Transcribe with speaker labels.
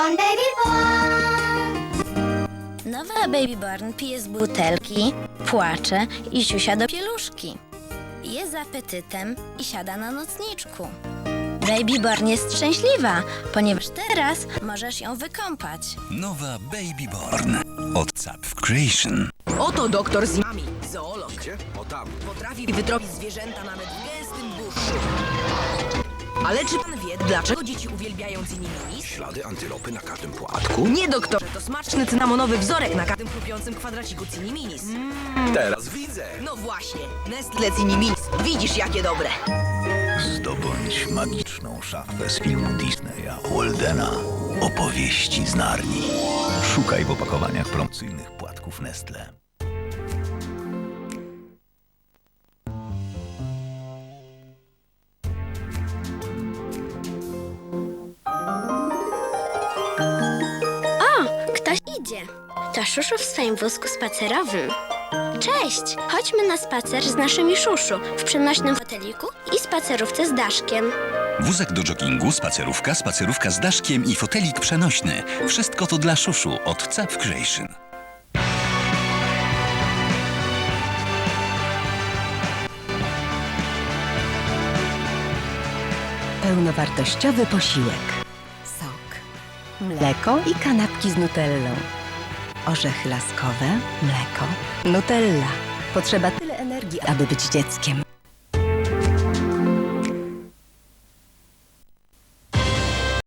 Speaker 1: Born, baby born.
Speaker 2: Nowa Baby Born pije z butelki, płacze i siusia do pieluszki. Je z apetytem i siada na nocniczku. Baby Born jest szczęśliwa, ponieważ teraz możesz ją wykąpać.
Speaker 3: Nowa Baby Born od Zapf Creation.
Speaker 4: Oto doktor z nami, zoolog.
Speaker 5: Gdzie? O tam.
Speaker 4: Potrafi wytropić zwierzęta nawet w gęstym buszu. Ale czy pan wie, dlaczego dzieci uwielbiają cyninominis?
Speaker 5: Ślady antylopy na każdym płatku?
Speaker 4: Nie, doktorze, to smaczny cynamonowy wzorek na każdym chrupiącym kwadraciku ciniminis.
Speaker 5: Teraz widzę.
Speaker 4: No właśnie, Nestle ciniminis. Widzisz, jakie dobre.
Speaker 6: Zdobądź magiczną szafę z filmu Disneya Waldena. Opowieści z Narni. Szukaj w opakowaniach promocyjnych płatków Nestle.
Speaker 2: Ktoś idzie. To Szuszu w swoim wózku spacerowym. Cześć! Chodźmy na spacer z naszymi Szuszu w przenośnym foteliku i spacerówce z Daszkiem.
Speaker 3: Wózek do joggingu, spacerówka z daszkiem i fotelik przenośny. Wszystko to dla Szuszu od Zapf Creation.
Speaker 7: Pełnowartościowy posiłek. Sok, mleko i kanapki z nutellą. Orzechy laskowe, mleko, nutella. Potrzeba tyle energii, aby być dzieckiem.